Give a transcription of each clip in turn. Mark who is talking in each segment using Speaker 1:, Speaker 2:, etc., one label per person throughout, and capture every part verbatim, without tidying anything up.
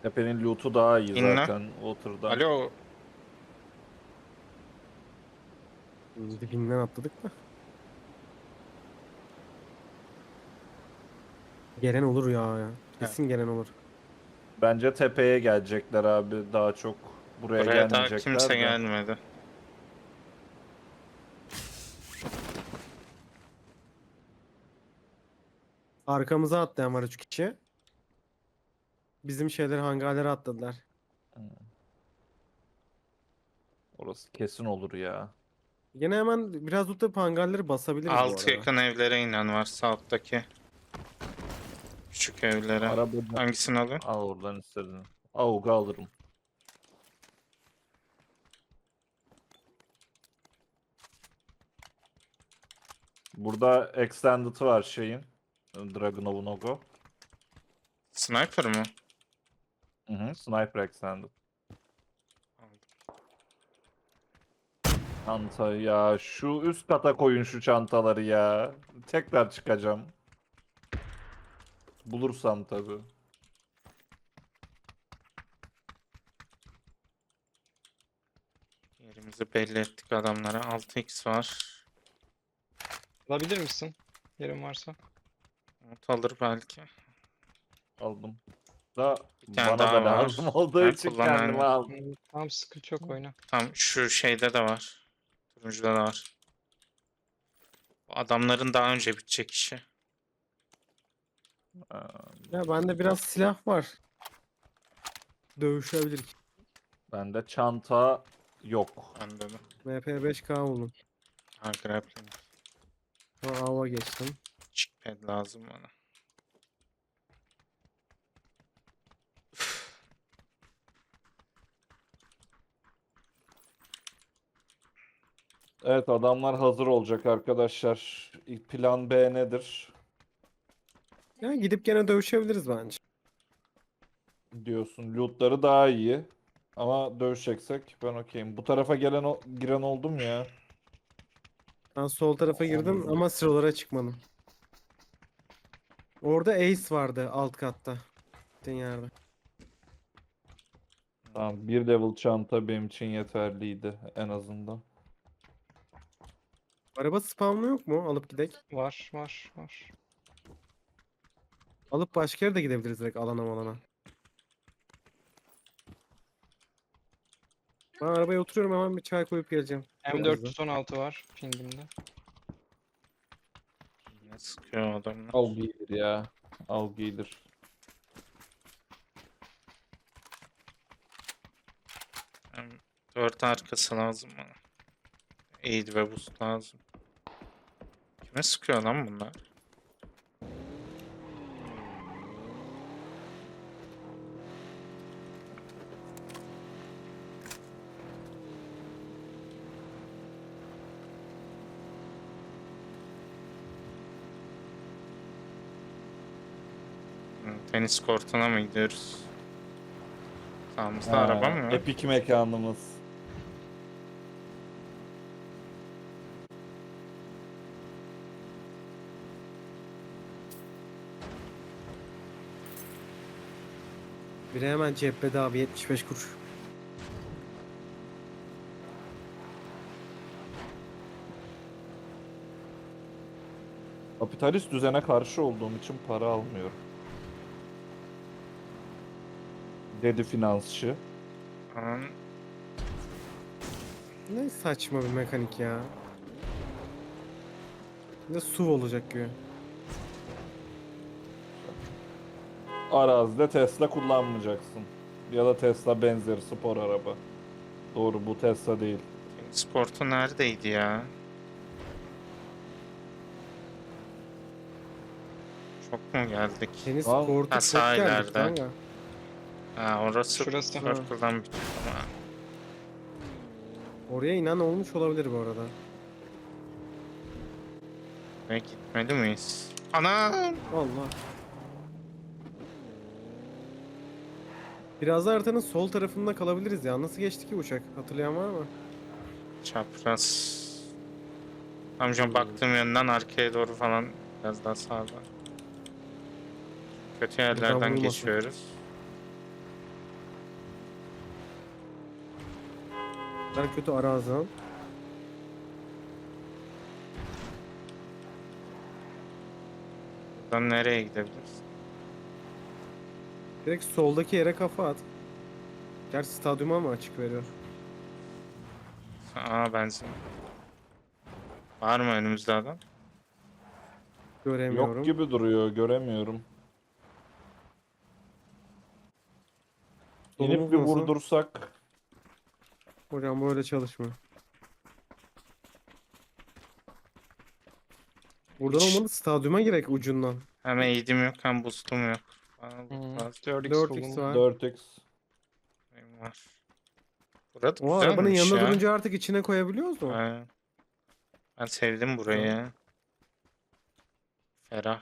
Speaker 1: Tepenin loot'u daha iyi
Speaker 2: İnle.
Speaker 1: zaten Water'dan.
Speaker 2: Alo.
Speaker 3: Dibinden atladık da. Gelen olur ya, ya.
Speaker 2: Evet.
Speaker 3: Kesin gelen olur.
Speaker 1: Bence tepeye gelecekler abi daha çok. Buraya
Speaker 2: Buraya daha kimse
Speaker 1: gelmeyecekler de.
Speaker 2: gelmedi.
Speaker 3: Arkamıza atlayan var üç kişi. Bizim şeyler hangarlara atladılar.
Speaker 1: Orası kesin olur ya.
Speaker 3: Yine hemen biraz tutup hangarları basabiliriz bu
Speaker 2: Alt
Speaker 3: arada.
Speaker 2: yakın evlere inen varsa alttaki küçük evlere.
Speaker 1: Arabada
Speaker 2: Hangisini alıyor?
Speaker 1: al oradan istediğini. Avga alırım. Burada extended var şeyin. Dragunov'un Ogo.
Speaker 2: Sniper mı?
Speaker 1: Hı hı, sniper extended. Çanta ya. Şu üst kata koyun şu çantaları ya. Tekrar çıkacağım. Bulursam tabii.
Speaker 2: Yerimizi belli ettik adamlara. altı x var.
Speaker 4: Alabilir misin? Yerin varsa.
Speaker 2: Umut alır belki.
Speaker 1: Aldım. Da
Speaker 2: Bir tane
Speaker 1: bana
Speaker 2: daha
Speaker 1: da
Speaker 2: var.
Speaker 1: lazım olduğu
Speaker 2: Ha,
Speaker 1: için
Speaker 2: kullan
Speaker 1: kendime
Speaker 2: aynen.
Speaker 1: aldım.
Speaker 4: Hmm, Tamam, sıkıntı yok, oyna.
Speaker 2: Tam şu şeyde de var. Turuncuda da var. Bu adamların daha önce bitecek işi.
Speaker 1: Ee,
Speaker 3: Ya bende biraz silah var. Dövüşebilir.
Speaker 1: Bende çanta yok.
Speaker 2: Bende de.
Speaker 3: M P beş K buldum.
Speaker 2: Ha, grappling.
Speaker 3: Sonra ava geçtim.
Speaker 2: Chickpad lazım bana.
Speaker 1: Evet adamlar hazır olacak arkadaşlar. İlk plan B nedir
Speaker 3: Ya gidip gene dövüşebiliriz bence.
Speaker 1: diyorsun. Lootları daha iyi. Ama dövüşeceksek ben okeyim. Bu tarafa gelen o- giren oldum ya.
Speaker 3: Ben sol tarafa girdim ama sıralara çıkmadım. Orada Ace vardı alt katta. Gittiğin yerde.
Speaker 1: Tamam bir level çanta benim için yeterliydi en azından.
Speaker 3: Araba spamlı yok mu? Alıp gidek.
Speaker 4: Var, var, var.
Speaker 3: Alıp başka yere de gidebiliriz direkt alana malana. Ben arabaya oturuyorum, hemen bir çay koyup geleceğim. Çok
Speaker 4: M
Speaker 3: hızlı.
Speaker 4: dört yüz on altı var pingimde.
Speaker 2: Ne sıkıyor adamlar.
Speaker 1: Al giydir ya. Al giydir.
Speaker 2: Hem dört arkası lazım bana. Aid ve boost lazım. Kime sıkıyor lan bunlar? Hı, tenis kortuna mı gidiyoruz? Sağımızda araba mı var?
Speaker 1: Epic mekanımız.
Speaker 3: Biri hemen cephede abi, yetmiş beş kuruş.
Speaker 1: Kapitalist düzene karşı olduğum için para almıyorum. Dedi finansçı.
Speaker 2: Aman,
Speaker 3: Ne saçma bir mekanik ya. Bir de S U V olacak gibi.
Speaker 1: Arazide Tesla kullanmayacaksın. Ya da Tesla benzeri spor araba. Doğru bu Tesla değil.
Speaker 2: tenis kortu neredeydi ya? Çok mu geldik?
Speaker 3: Tenis
Speaker 1: Al.
Speaker 3: kortu
Speaker 2: Ha,
Speaker 3: çok
Speaker 2: sağ
Speaker 3: geldik
Speaker 2: ileride.
Speaker 3: kanka.
Speaker 2: Ha, orası
Speaker 4: Şurası.
Speaker 2: Circle'dan bitiyor ama.
Speaker 3: Oraya inen olmuş olabilir bu arada.
Speaker 2: Ve gitmeli miyiz? Anam!
Speaker 3: Allah. Biraz da haritanın sol tarafında kalabiliriz ya. Nasıl geçti ki uçak? Hatırlayan var mı?
Speaker 2: Çapraz. Amcam baktığım yönden arkaya doğru falan biraz daha sağda. Kötü yerlerden
Speaker 3: vurmasın.
Speaker 2: geçiyoruz.
Speaker 3: Ben kötü arazan.
Speaker 2: Buradan nereye gidebiliriz?
Speaker 3: Direkt soldaki yere kafa at. Gerçi stadyuma mı açık veriyor?
Speaker 2: Aa benzin. Var mı önümüzde adam?
Speaker 3: Göremiyorum.
Speaker 1: Yok gibi duruyor, göremiyorum.
Speaker 3: Solumuz
Speaker 1: İnip bir
Speaker 3: nasıl?
Speaker 1: vurdursak.
Speaker 3: Hocam böyle çalışmıyor. Buradan
Speaker 2: Hiç.
Speaker 3: olmadı, stadyuma girek ucundan.
Speaker 2: Hem eğitim yok hem boostum yok. Bana bu
Speaker 4: Hmm,
Speaker 2: lazım.
Speaker 4: dört x
Speaker 3: dört x
Speaker 4: solum.
Speaker 3: var.
Speaker 1: dört x.
Speaker 2: Benim var. Burada
Speaker 3: O arabanın
Speaker 2: güzelmiş
Speaker 3: yanında
Speaker 2: ya.
Speaker 3: durunca artık içine koyabiliyoruz mu?
Speaker 2: Aynen. Ben sevdim burayı
Speaker 3: Tamam.
Speaker 2: ya. Ferah.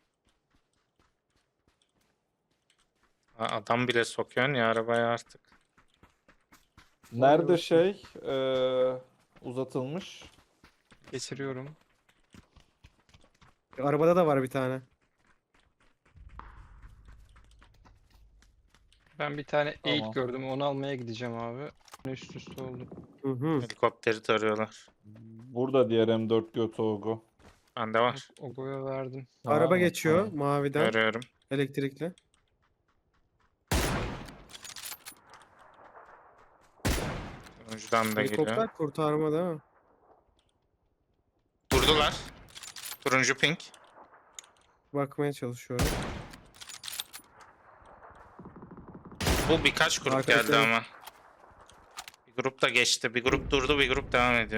Speaker 2: Ha, adam bile sokuyorsun ya arabaya artık.
Speaker 1: Nerede
Speaker 3: bakayım.
Speaker 1: şey eee, uzatılmış?
Speaker 4: Getiriyorum.
Speaker 3: Arabada da var bir tane.
Speaker 4: Ben bir tane
Speaker 1: Tamam.
Speaker 4: eğit gördüm. Onu almaya gideceğim abi. Üst üste oldu.
Speaker 3: Hı hı.
Speaker 2: Helikopteri tarıyorlar.
Speaker 1: Burada diğer M dört Götoğu.
Speaker 2: Bende var.
Speaker 4: Ogo'ya verdim.
Speaker 3: Araba
Speaker 1: Ha,
Speaker 3: geçiyor
Speaker 1: tamam.
Speaker 3: maviden.
Speaker 2: Görüyorum.
Speaker 3: Elektrikli.
Speaker 2: Turuncudan da geliyor.
Speaker 3: Helikopter kurtarma değil mi?
Speaker 2: Durdular. Turuncu pink.
Speaker 3: Bakmaya çalışıyorum.
Speaker 2: Bu birkaç grup
Speaker 3: Arkadaşlar-
Speaker 2: geldi ama. Bir grup da geçti. Bir grup durdu, bir grup devam ediyor.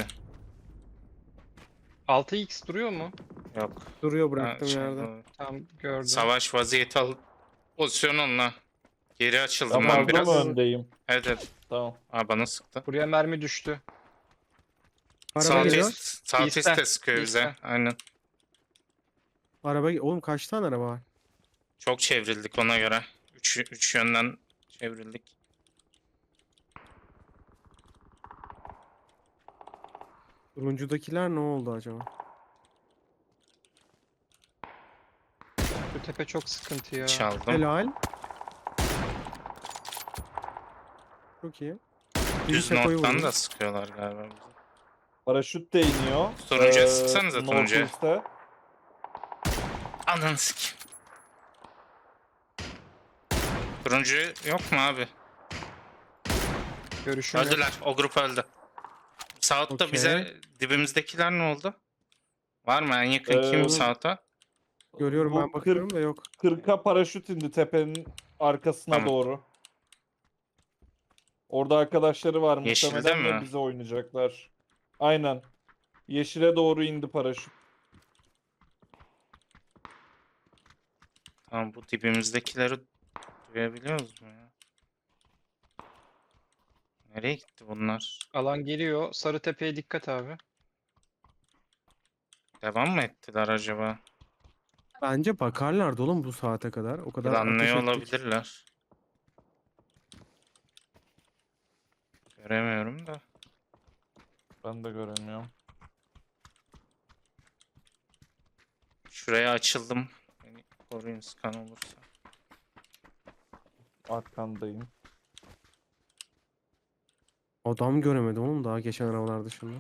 Speaker 4: altı x duruyor mu?
Speaker 2: Yok.
Speaker 3: Duruyor
Speaker 2: Ha,
Speaker 3: bıraktığım
Speaker 2: şey,
Speaker 3: yerde.
Speaker 2: bu-
Speaker 4: Tamam gördüm.
Speaker 2: Savaş vaziyeti al. Pozisyon onunla. Geri açıldım
Speaker 1: Ben
Speaker 2: ben
Speaker 1: fazla
Speaker 2: biraz.
Speaker 1: mı öndeyim?
Speaker 2: Evet evet.
Speaker 1: Tamam.
Speaker 2: Aa, bana sıktı.
Speaker 4: Buraya mermi düştü.
Speaker 3: Araba
Speaker 2: Sağ
Speaker 3: geliyor.
Speaker 2: üst, sağ
Speaker 4: İste,
Speaker 2: üstte sıkıyor bize.
Speaker 4: iste.
Speaker 2: Aynen.
Speaker 3: Araba ge- Oğlum kaç tane araba var?
Speaker 2: Çok çevrildik ona göre. Üç, üç yönden çevrildik.
Speaker 3: Turuncudakiler ne oldu acaba?
Speaker 4: Bu tepe çok sıkıntı ya.
Speaker 2: Çaldım.
Speaker 3: Helal. Çok iyi. Bir
Speaker 2: Düz
Speaker 3: şakoyu
Speaker 2: nottan
Speaker 3: vurdum.
Speaker 2: da sıkıyorlar galiba bize.
Speaker 1: Paraşüt de iniyor.
Speaker 2: Turuncuya
Speaker 1: Eee,
Speaker 2: sıksanıza turuncuya.
Speaker 1: Northeast'e.
Speaker 2: Ananı sikeyim. Turuncu yok mu abi?
Speaker 4: Görüşüm yok.
Speaker 2: Öldüler. O grup öldü. South'ta
Speaker 3: Okey.
Speaker 2: bize dibimizdekiler ne oldu? Var mı en yakın
Speaker 1: Ee,
Speaker 2: kim South'a?
Speaker 3: Görüyorum
Speaker 1: Bu
Speaker 3: ben bakıyorum da yok.
Speaker 1: kırka paraşüt indi tepenin arkasına
Speaker 2: Tamam.
Speaker 1: doğru. Orada arkadaşları var
Speaker 2: Yeşilde
Speaker 1: muhtemelen ve
Speaker 2: mi?
Speaker 1: bize oynayacaklar. Aynen. Yeşile doğru indi paraşüt.
Speaker 2: Tamam bu dibimizdekileri duyabiliyoruz mu ya? Nereye gitti bunlar?
Speaker 4: Alan geliyor. Sarı tepeye dikkat abi.
Speaker 2: Devam mı ettiler acaba?
Speaker 3: Bence bakarlardı oğlum bu saate kadar. O kadar ateş
Speaker 2: Planlıyor
Speaker 3: ettik.
Speaker 2: olabilirler. Göremiyorum da.
Speaker 1: Ben de göremiyorum.
Speaker 2: Şuraya açıldım. Beni koruyun skan olursa.
Speaker 1: Arkandayım.
Speaker 3: Adam göremedim oğlum daha geçen arabalar dışında.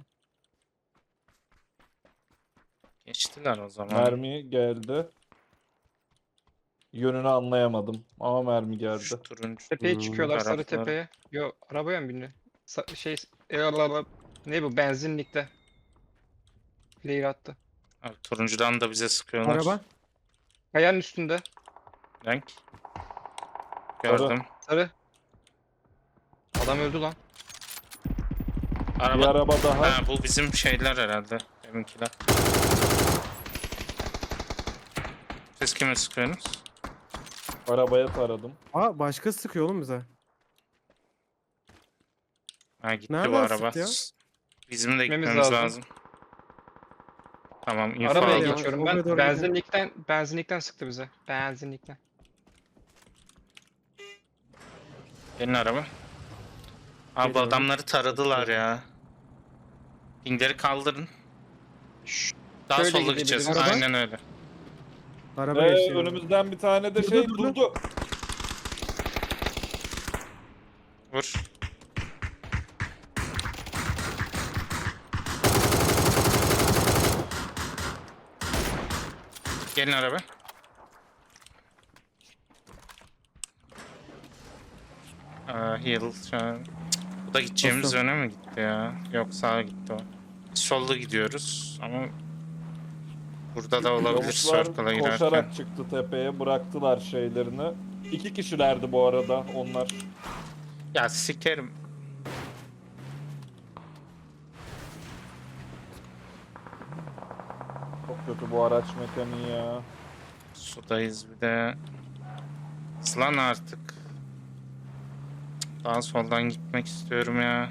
Speaker 2: Geçtiler o zaman.
Speaker 1: Mermi geldi. Yönünü anlayamadım ama mermi geldi.
Speaker 2: Şu turuncu.
Speaker 4: Tepeye
Speaker 3: Hmm.
Speaker 4: çıkıyorlar sarı
Speaker 2: Tarafları.
Speaker 4: tepeye. Yo arabaya mı bindi? Sa- şey eyvallah. Ne bu benzinlikte. Flare attı.
Speaker 2: Abi, turuncudan da bize sıkıyorlar.
Speaker 3: Araba.
Speaker 4: Kayanın üstünde.
Speaker 2: Renk. Gördüm.
Speaker 4: Sarı. Adam öldü lan.
Speaker 1: Bir
Speaker 2: Araba.
Speaker 1: araba daha.
Speaker 2: Ha, bu bizim şeyler herhalde. Deminkiler. Siz kime sıkıyorsunuz?
Speaker 1: Arabaya taradım.
Speaker 3: Aa başka sıkıyor oğlum bize.
Speaker 2: Ha gitti bu
Speaker 3: Nereden
Speaker 2: araba.
Speaker 3: sıktı ya?
Speaker 2: Bizim de
Speaker 4: Gitmemiz
Speaker 2: gitmemiz lazım.
Speaker 4: lazım.
Speaker 2: Tamam info
Speaker 4: Arabaya
Speaker 2: aldım.
Speaker 3: ya.
Speaker 4: geçiyorum
Speaker 3: Oraya
Speaker 4: ben.
Speaker 3: doğru
Speaker 4: Benzinlikten benzinlikten sıktı bize. Benzinlikten.
Speaker 2: Gelin araba. Abi bu
Speaker 3: Geliyorum.
Speaker 2: adamları taradılar ya. Pingleri kaldırın.
Speaker 4: Şşş.
Speaker 2: Daha
Speaker 4: Şöyle
Speaker 2: sola gideceğiz.
Speaker 4: gidebiliriz.
Speaker 2: Aynen öyle.
Speaker 3: Araba
Speaker 1: Ee,
Speaker 3: geçiyor.
Speaker 1: önümüzden bir tane de
Speaker 3: Durdu,
Speaker 1: şey
Speaker 3: durdu.
Speaker 1: durdu.
Speaker 2: Vur. Gelin araba. Aa, heal şu an. Cık, bu da gideceğimiz
Speaker 3: Nasıl?
Speaker 2: yöne mi gitti ya? Yok sağa gitti o. Sollu gidiyoruz ama burada da olabilir
Speaker 1: Yavuzlar
Speaker 2: circle'a girerken.
Speaker 1: koşarak çıktı tepeye, bıraktılar şeylerini. İki kişilerdi bu arada onlar.
Speaker 2: Ya sikerim.
Speaker 1: Çok kötü bu araç mekaniği ya.
Speaker 2: Sudayız bir de. Hızlan artık. Daha soldan gitmek istiyorum ya.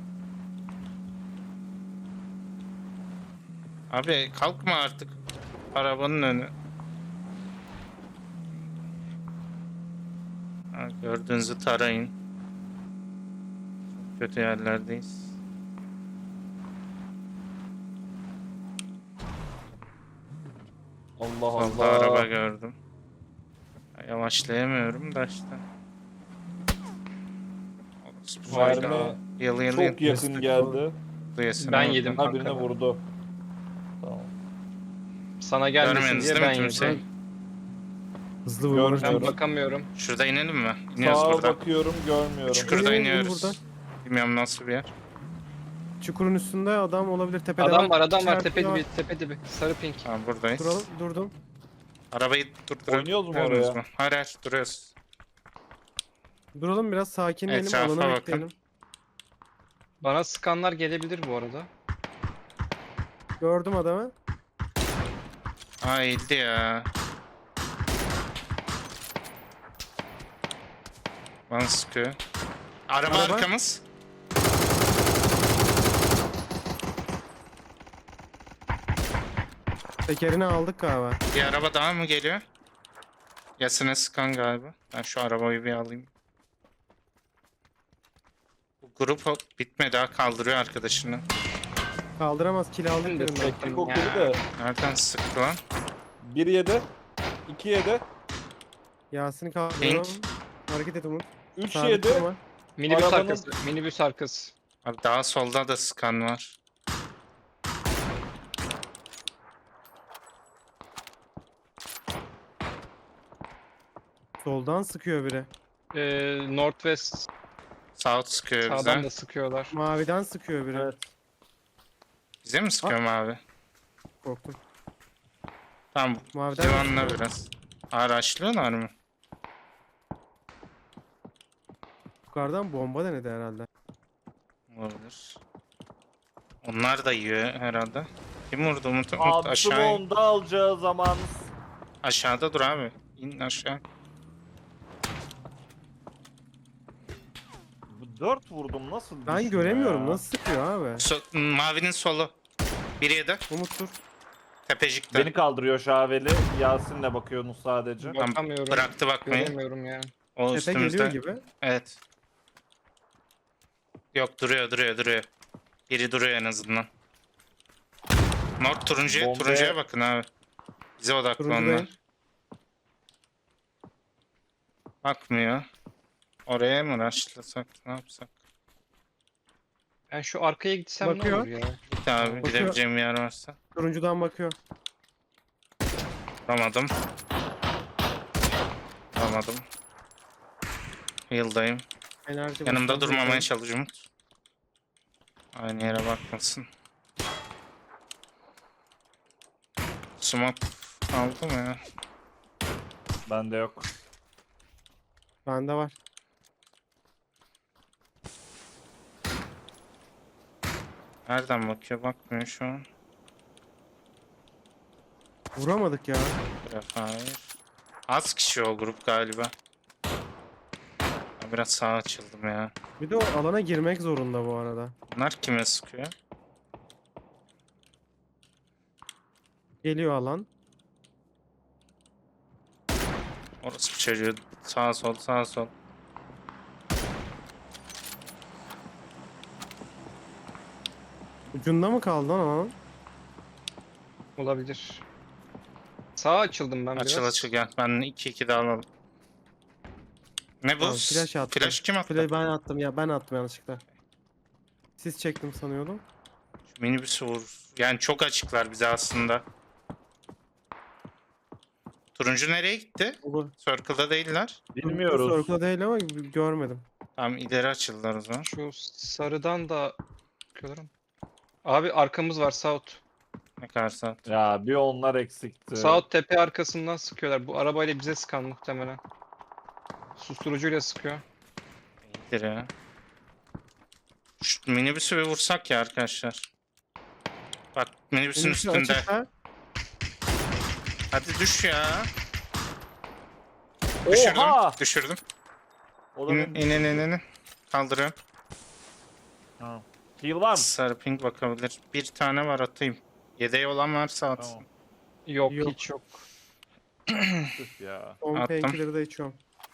Speaker 2: Abi kalkma artık. Arabanın önü. Ha, gördüğünüzü tarayın. Çok kötü yerlerdeyiz.
Speaker 1: Allah
Speaker 2: Solda
Speaker 1: Allah.
Speaker 2: araba gördüm. Ya, yavaşlayamıyorum da işte. Orospu
Speaker 1: Mermi
Speaker 2: çocuğu. Yalı yalı
Speaker 1: Çok yakın geldi.
Speaker 2: yasına
Speaker 4: Ben
Speaker 2: bakın.
Speaker 4: yedim.
Speaker 1: Ha birine
Speaker 4: Kanka.
Speaker 1: vurdu. Tamam.
Speaker 4: Sana gelmesin
Speaker 2: Görmediniz
Speaker 4: diye
Speaker 2: değil mi
Speaker 4: ben
Speaker 2: kimseyi?
Speaker 4: yedim.
Speaker 3: Hızlı vurmanız
Speaker 1: Görmüyorum.
Speaker 4: Ben
Speaker 3: lazım.
Speaker 4: bakamıyorum.
Speaker 2: Şurada inelim mi? İniyoruz
Speaker 1: Sağa
Speaker 2: burada.
Speaker 1: bakıyorum, görmüyorum.
Speaker 2: Çukurda
Speaker 3: İnelim, inelim
Speaker 2: iniyoruz.
Speaker 3: buradan.
Speaker 2: Bilmiyorum nasıl bir yer.
Speaker 3: Çukurun üstünde adam olabilir. Tepede
Speaker 4: Adam var adam var
Speaker 3: İçeride
Speaker 4: tepe
Speaker 3: var.
Speaker 4: dibi tepe dibi. Sarı pink.
Speaker 2: Tamam buradayız.
Speaker 3: Duralım, durdum.
Speaker 2: Arabayı durdurabiliyor
Speaker 1: Oynuyoruz mu
Speaker 2: muyuz
Speaker 1: oraya?
Speaker 2: mu? Hayır hayır duruyoruz.
Speaker 3: Duralım biraz sakinleyelim.
Speaker 2: Etrafa
Speaker 3: Alanı
Speaker 2: bakın.
Speaker 3: bekleyelim.
Speaker 4: Bana skanlar gelebilir bu arada.
Speaker 3: Gördüm adamı.
Speaker 2: Aa eğildi ya. Bana sıkıyor. Araba,
Speaker 3: Araba.
Speaker 2: arkamız.
Speaker 3: Tekerini aldık galiba.
Speaker 2: Bir araba daha mı geliyor? Yasine sıkan galiba. Ben şu arabayı bir alayım. Bu grup o- bitmedi daha kaldırıyor arkadaşını.
Speaker 3: Kaldıramaz. Kill aldık
Speaker 4: Ben de
Speaker 3: birinden.
Speaker 4: tek-
Speaker 1: Tek okulu
Speaker 4: Ya.
Speaker 1: da.
Speaker 2: Nereden sıktı lan?
Speaker 1: Bir yedi. iki yedi.
Speaker 3: Yasin'i kaldırıyorum.
Speaker 2: Pink.
Speaker 3: Hareket et Umut.
Speaker 1: Üç
Speaker 3: Sabit
Speaker 1: yedi.
Speaker 3: durma.
Speaker 4: Minibüs
Speaker 1: Arabanın-
Speaker 4: arkası. Minibüs arkası.
Speaker 2: Abi daha solda da sıkan var.
Speaker 3: Soldan sıkıyor biri.
Speaker 4: Ee, Northwest
Speaker 2: South sıkıyor
Speaker 4: sağdan
Speaker 2: bize.
Speaker 4: da sıkıyorlar.
Speaker 3: Maviden sıkıyor biri.
Speaker 1: Evet.
Speaker 2: Bize mi sıkıyor abi?
Speaker 3: Korktum.
Speaker 2: Tamam
Speaker 3: Maviden
Speaker 2: civanla
Speaker 3: sıkıyor.
Speaker 2: biraz. Araçlıyorlar mı?
Speaker 3: Yukarıdan bomba denedi herhalde.
Speaker 2: Olabilir. Onlar da yiyor herhalde. Kim vurdu Umut? Umut
Speaker 1: Abi
Speaker 2: aşağı.
Speaker 1: Smoke'da alacağı zaman
Speaker 2: Aşağıda dur abi. İn aşağı.
Speaker 1: dört vurdum nasıl
Speaker 3: Ben
Speaker 1: düşmüyor
Speaker 3: göremiyorum.
Speaker 1: ya?
Speaker 3: Nasıl sıkıyor abi?
Speaker 2: So- mavinin solu. Bir yedi.
Speaker 3: Umut dur.
Speaker 2: Tepecikte.
Speaker 1: Beni kaldırıyor Şaveli. Yasin'le bakıyorsunuz sadece.
Speaker 2: Tamam,
Speaker 4: Bakamıyorum.
Speaker 2: bıraktı bakmayı.
Speaker 4: Göremiyorum ya.
Speaker 2: O
Speaker 3: Tepe
Speaker 2: üstümüzde.
Speaker 3: geliyor gibi.
Speaker 2: Evet. Yok duruyor duruyor duruyor. Biri duruyor en azından. North turuncuya,
Speaker 1: Bombaya-
Speaker 2: turuncuya bakın abi. Bize odaklı
Speaker 3: Turuncudayım.
Speaker 2: onlar. Bakmıyor. Oraya mı rushlasak ne yapsak?
Speaker 4: Ben şu arkaya gitsem ne
Speaker 3: Bakıyor.
Speaker 4: olur ya?
Speaker 2: Git abi
Speaker 3: Bakıyor.
Speaker 2: gidebileceğim bir yer varsa.
Speaker 3: Turuncudan bakıyor.
Speaker 2: Vuramadım. Vuramadım. Heal'dayım.
Speaker 3: Enerji
Speaker 2: Yanımda
Speaker 3: basıyor.
Speaker 2: durmamaya çalış Umut. Aynı yere bakmasın. Smoke aldı mı ya?
Speaker 1: Bende yok.
Speaker 3: Bende var.
Speaker 2: Nereden bakıyor? Bakmıyor şu an.
Speaker 3: Vuramadık ya.
Speaker 2: Hayır. Az kişi o grup galiba. Ben biraz sağa açıldım ya.
Speaker 3: Bir de o alana girmek zorunda bu arada.
Speaker 2: Bunlar kime sıkıyor?
Speaker 3: Geliyor alan.
Speaker 2: Orası bir çocuğu. Sağ sol sağ sol.
Speaker 3: Ucunda mı kaldı lan alan?
Speaker 4: Olabilir. Sağa açıldım ben
Speaker 2: Açıl
Speaker 4: biraz.
Speaker 2: açıl gel. Ben iki iki daha alalım. Ne bu?
Speaker 3: Tamam, flash attım.
Speaker 2: Flash kim attı?
Speaker 3: Play ben attım ya ben attım yanlışlıkla. Siz çektim sanıyordum.
Speaker 2: Şu minibüsü vur. Yani çok açıklar bize aslında. Turuncu nereye gitti?
Speaker 3: Bu
Speaker 2: Circle'da değiller.
Speaker 1: Bilmiyoruz.
Speaker 3: Circle'da değil ama görmedim.
Speaker 2: Tamam ileri açıldılar o zaman.
Speaker 4: Şu sarıdan da bakıyorlar ama. Abi arkamız var South.
Speaker 2: Ne kadar saat?
Speaker 1: Ya bir onlar eksikti.
Speaker 4: South tepe arkasından sıkıyorlar. Bu arabayla bize sıkan muhtemelen. Susturucuyla sıkıyor.
Speaker 2: İyidir ya. Şu minibüsü bir vursak ya arkadaşlar. Bak minibüsün
Speaker 3: Minibüsün
Speaker 2: üstünde.
Speaker 3: açıkta.
Speaker 2: Hadi düş ya. Düşürdüm.
Speaker 1: Oha!
Speaker 2: Düşürdüm.
Speaker 1: O da
Speaker 2: İn,
Speaker 1: benim-
Speaker 2: inin inin inin. Kaldırıyorum.
Speaker 1: Ha. Heal var mı?
Speaker 2: Sarı pink bakabilir. Bir tane var atayım. Yedeği olan varsa atsın.
Speaker 1: Tamam.
Speaker 4: Yok,
Speaker 3: Yok.
Speaker 4: hiç yok.
Speaker 1: Tüh ya.
Speaker 3: Son
Speaker 2: Attım.
Speaker 3: painkiller'ı da içiyorum.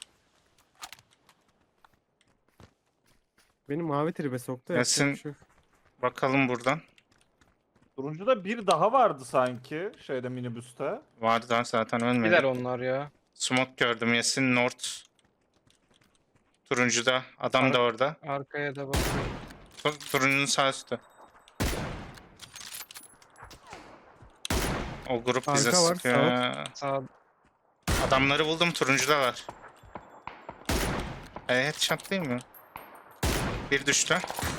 Speaker 3: Beni mavi tribe soktu. yapacak
Speaker 2: Yasin-
Speaker 3: bir şey yok.
Speaker 2: Bakalım buradan.
Speaker 1: Turuncuda bir daha vardı sanki şeyde minibüste.
Speaker 2: Vardı zaten ölmedi.
Speaker 4: Gider onlar ya.
Speaker 2: Smoke gördüm. Yasin North. Turuncuda. Adam
Speaker 4: Ara-
Speaker 2: da orada.
Speaker 4: Arkaya da bakıyorum.
Speaker 2: Tu- Turuncunun sağ üstü. O grup bize
Speaker 3: Arka var,
Speaker 2: sıkıyor. ya.
Speaker 4: Sağ
Speaker 2: Adamları buldum. Turuncudalar. E, headshot değil mi? Bir düştü.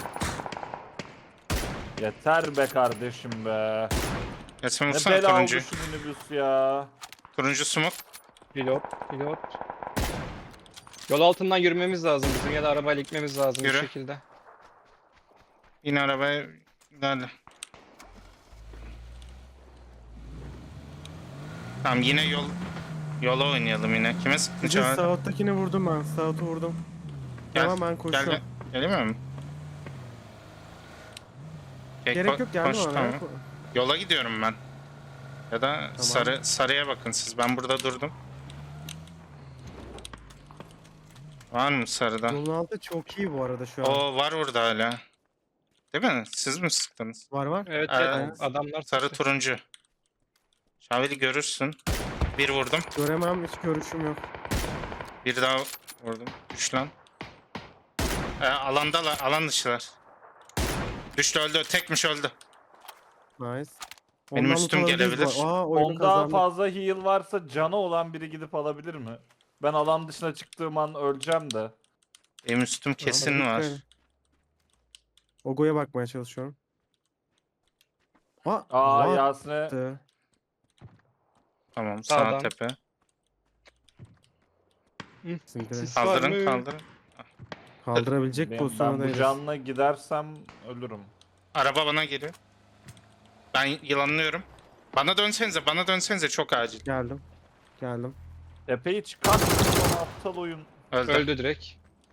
Speaker 1: Yeter be kardeşim be.
Speaker 2: Yasin
Speaker 1: Ne
Speaker 2: vursana
Speaker 1: bela oldu
Speaker 2: turuncu.
Speaker 1: şu minibüs ya.
Speaker 2: Turuncu smoke.
Speaker 4: pilot, pilot. Yol altından yürümemiz lazım bizim ya da arabayla gitmemiz lazım
Speaker 2: Yürü.
Speaker 4: bir şekilde.
Speaker 2: Yine arabaya ilerle. Tamam yine yol yola oynayalım yine. Kime sıktın
Speaker 3: Bir
Speaker 2: Çağrı?
Speaker 3: South'takini vurdum ben. South'u vurdum.
Speaker 2: Gel,
Speaker 3: Tamam ben
Speaker 2: Gel
Speaker 3: koşuyorum.
Speaker 2: gel. Gelemiyor mu? Okey,
Speaker 3: Gerek
Speaker 2: ko-
Speaker 3: yok gelme
Speaker 2: koş,
Speaker 3: bana.
Speaker 2: tamam.
Speaker 3: ya.
Speaker 2: Yola gidiyorum ben. Ya da sarı sarıya bakın siz. Ben burada durdum. Var mı sarıda?
Speaker 3: Yolun altı çok iyi bu arada şu an.
Speaker 2: O var orada hala. Değil mi? Siz mi sıktınız?
Speaker 3: Var var.
Speaker 4: Evet,
Speaker 2: Ee,
Speaker 4: evet adamlar
Speaker 2: Sarı
Speaker 4: sıktı.
Speaker 2: turuncu. Şaveli görürsün. Bir vurdum.
Speaker 3: Göremem, hiç görüşüm yok.
Speaker 2: Bir daha vurdum. Düş lan. Ee, alandalar. Alan dışılar. Düştü öldü. Tekmiş öldü.
Speaker 3: Nice.
Speaker 2: Benim
Speaker 3: Ondan
Speaker 2: üstüm
Speaker 3: loot alabiliriz
Speaker 2: gelebilir.
Speaker 3: bu- Aa oyunu
Speaker 1: Ondan
Speaker 3: kazandık.
Speaker 1: fazla heal varsa canı olan biri gidip alabilir mi? Ben alan dışına çıktığım an öleceğim de.
Speaker 2: Benim üstüm kesin
Speaker 3: Tamam,
Speaker 2: var.
Speaker 3: lütfen. Ogo'ya bakmaya çalışıyorum. Aa,
Speaker 1: Aa
Speaker 3: what
Speaker 1: Yasin'e
Speaker 3: the-
Speaker 2: Tamam sağ
Speaker 4: Sağdan.
Speaker 2: tepe.
Speaker 3: Sizinkiler.
Speaker 4: Sis var
Speaker 2: Kaldırın
Speaker 4: mı?
Speaker 2: kaldırın.
Speaker 3: Kaldırabilecek
Speaker 1: ben,
Speaker 3: pozisyona
Speaker 1: ben bu
Speaker 3: değiliz.
Speaker 1: canla gidersem ölürüm.
Speaker 2: Araba bana geliyor. Ben yılanlıyorum. Bana dönsenize, bana dönsenize çok acil.
Speaker 3: Geldim. Geldim.
Speaker 1: Tepeyi çıkart. Son aptal oyun.
Speaker 2: Öldü.
Speaker 4: Öldü direkt.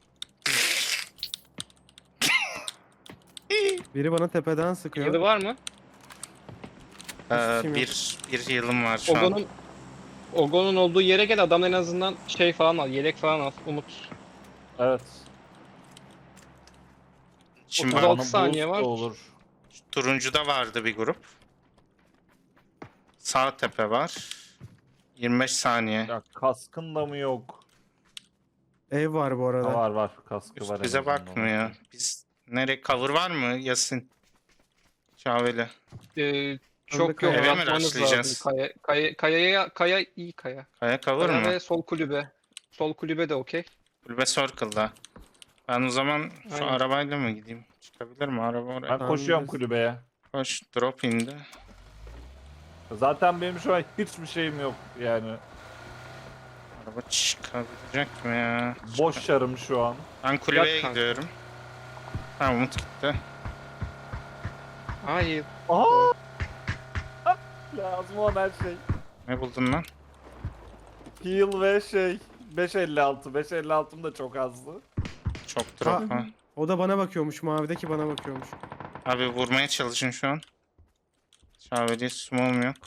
Speaker 3: Biri bana tepeden sıkıyor.
Speaker 4: Yılı var mı?
Speaker 2: Ee,
Speaker 3: Hiçbir şeyim yok.
Speaker 2: bir, bir yılım var şu an.
Speaker 4: Ogo'nun Ogo'nun olduğu yere gel adam en azından şey falan al, yelek falan al. Umut.
Speaker 1: Evet.
Speaker 2: Şimdi
Speaker 4: otuz altı
Speaker 1: Bana
Speaker 4: saniye
Speaker 1: boost da
Speaker 4: var.
Speaker 1: olur.
Speaker 2: turuncuda vardı bir grup. Sağ tepe var. yirmi beş saniye.
Speaker 1: Ya kaskın da mı yok?
Speaker 3: Ev var bu arada.
Speaker 1: Ha, var var kaskı
Speaker 2: Üst
Speaker 1: var. en
Speaker 2: bize
Speaker 1: azından.
Speaker 2: bakmıyor. Biz nereye cover var mı Yasin? Şaveli.
Speaker 4: Ee, çok
Speaker 3: kaya-
Speaker 4: yok
Speaker 2: Eve mi
Speaker 4: atmanız
Speaker 2: rushlayacağız?
Speaker 4: lazım. Kaya, kaya, kayaya, kaya iyi kaya.
Speaker 2: Kaya cover
Speaker 4: Kaya
Speaker 2: mı?
Speaker 4: ve sol kulübe. Sol kulübe de okey.
Speaker 2: Kulübe Circle'da. Ben o zaman şu
Speaker 4: Aynen.
Speaker 2: arabayla mı gideyim? Çıkabilir mi araba oraya?
Speaker 1: Ben
Speaker 3: Tamam,
Speaker 1: koşuyorum
Speaker 3: bilirsin.
Speaker 1: kulübeye.
Speaker 2: Koş drop indi.
Speaker 1: Zaten benim şu an hiçbir şeyim yok yani.
Speaker 2: Araba çıkabilecek mi ya?
Speaker 1: Boş yarım şu an.
Speaker 2: Ben kulübeye
Speaker 4: Yat kanka.
Speaker 2: gidiyorum. Ha Umut gitti.
Speaker 4: Hayır.
Speaker 1: Aha! Lazım olan her şey.
Speaker 2: Ne buldun lan?
Speaker 1: Heal ve şey. beş elli altı. beş elli altım da çok azdı.
Speaker 2: Çok drop
Speaker 3: Ha.
Speaker 2: ha.
Speaker 3: O da bana bakıyormuş. Mavideki bana bakıyormuş.
Speaker 2: Abi vurmaya çalışın şu an. Şaveli smoke'um yok.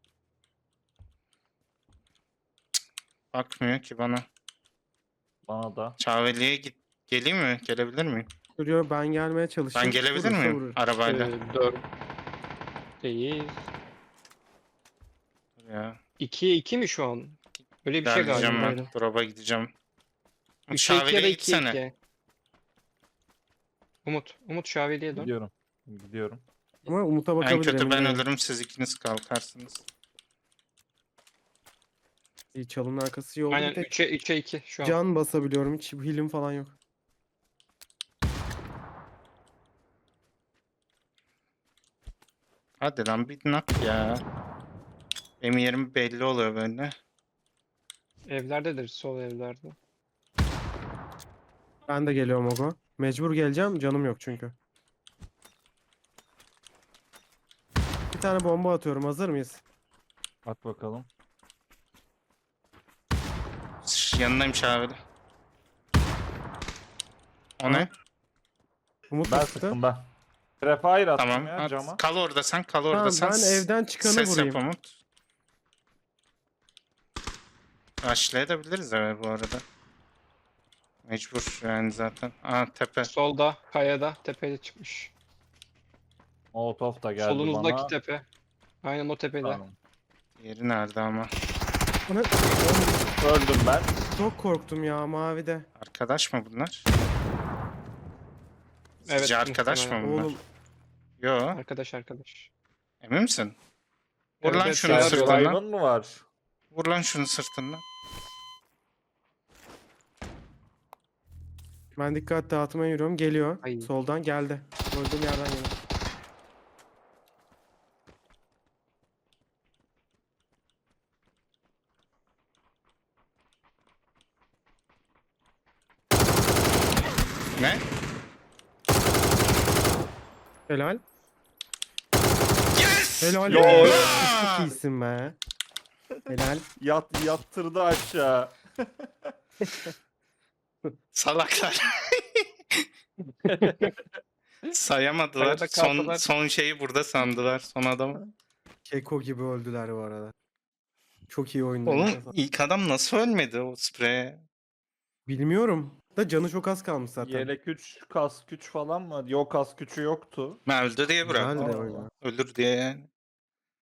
Speaker 2: Cık, bakmıyor ki bana.
Speaker 1: Bana da.
Speaker 2: Şaveli'ye git. Geleyim mi? Gelebilir miyim?
Speaker 3: Duruyor ben gelmeye çalışayım.
Speaker 2: Ben gelebilir
Speaker 3: Vurursa
Speaker 2: miyim?
Speaker 3: vurur.
Speaker 2: Arabayla.
Speaker 4: Ee, dört. Değil.
Speaker 2: Ya.
Speaker 4: ikiye iki mi şu an? Öyle bir şey
Speaker 2: Gideceğim
Speaker 4: galiba.
Speaker 2: ben. Drop'a gideceğim.
Speaker 4: üçe iki ya da
Speaker 2: Şaveli'ye
Speaker 4: ikiye
Speaker 2: gitsene.
Speaker 4: iki. Umut. Umut Şaveli'ye dön.
Speaker 1: Gidiyorum. Gidiyorum.
Speaker 3: Ama Umut'a
Speaker 2: En
Speaker 3: bakabilir.
Speaker 2: kötü
Speaker 3: emin
Speaker 2: ben
Speaker 3: değilim.
Speaker 2: ölürüm siz ikiniz kalkarsınız.
Speaker 3: İyi, çalının arkası iyi oldu.
Speaker 4: Aynen
Speaker 3: Bir tek
Speaker 4: üçe üçe iki şu an.
Speaker 3: can basabiliyorum. Hiç healim falan yok.
Speaker 2: Hadi lan bir nak ya. Benim yerim belli oluyor böyle.
Speaker 4: Evlerdedir, sol evlerde.
Speaker 3: Ben de geliyorum Ogo. Mecbur geleceğim. Canım yok çünkü. Bir tane bomba atıyorum. Hazır mıyız?
Speaker 1: Bak bakalım.
Speaker 2: Şş, yanındaymış abi. O ne?
Speaker 3: Umut
Speaker 1: Ben
Speaker 3: da sıktı.
Speaker 1: sıktım ben. Prefire attım
Speaker 2: Tamam.
Speaker 1: ya
Speaker 2: At.
Speaker 1: cama.
Speaker 2: Kal orada sen, kal orada
Speaker 3: Tamam,
Speaker 2: sen.
Speaker 3: ben
Speaker 2: S-
Speaker 3: evden çıkanı
Speaker 2: Ses
Speaker 3: vurayım.
Speaker 2: yap Umut. Rushlayabiliriz eve bu arada. Mecbur yani zaten. Aa tepe.
Speaker 4: Solda, kayada, tepede çıkmış.
Speaker 1: Molotov da geldi
Speaker 4: Solunuzdaki
Speaker 1: bana.
Speaker 4: tepe. Aynen o tepede.
Speaker 1: Tamam.
Speaker 2: Yeri nerede ama?
Speaker 3: Bu ne?
Speaker 1: Öldüm ben.
Speaker 3: Çok korktum ya mavide.
Speaker 2: Arkadaş mı bunlar?
Speaker 4: Evet,
Speaker 2: Sizce arkadaş mı
Speaker 4: muhtemelen.
Speaker 2: bunlar?
Speaker 3: Oğlum
Speaker 2: Yo.
Speaker 4: Arkadaş arkadaş.
Speaker 2: Emin misin? Vur
Speaker 4: Evet,
Speaker 2: lan
Speaker 4: evet,
Speaker 2: şunu
Speaker 4: şeyler
Speaker 2: sırtından.
Speaker 4: diyorlar.
Speaker 1: Survival mı var?
Speaker 2: Vur lan şunu sırtından.
Speaker 3: ben dikkat dağıtmaya yürüyorum. Geliyor.
Speaker 4: Ay.
Speaker 3: Soldan geldi. Öldüğüm yerden geliyor.
Speaker 2: Ne?
Speaker 3: Helal.
Speaker 2: Yes!
Speaker 3: Helal.
Speaker 1: Yo.
Speaker 3: be. Çok iyisin be. Helal.
Speaker 1: Yat, yattırdı aşağı.
Speaker 2: Salaklar. Sayamadılar.
Speaker 4: Kayada
Speaker 2: Son,
Speaker 4: kaldılar.
Speaker 2: son şeyi burada sandılar. Son adamı.
Speaker 3: Keko gibi öldüler bu arada. Çok iyi oyundu.
Speaker 2: Oğlum ilk adam nasıl ölmedi o spreye?
Speaker 3: Bilmiyorum. Da canı çok az kalmış zaten.
Speaker 1: Yelek üç, kas güç falan mı? Yok kas gücü yoktu.
Speaker 2: Ben öldü diye
Speaker 3: Güzel
Speaker 2: bıraktım.
Speaker 3: de oyun.
Speaker 2: Ölür diye yani.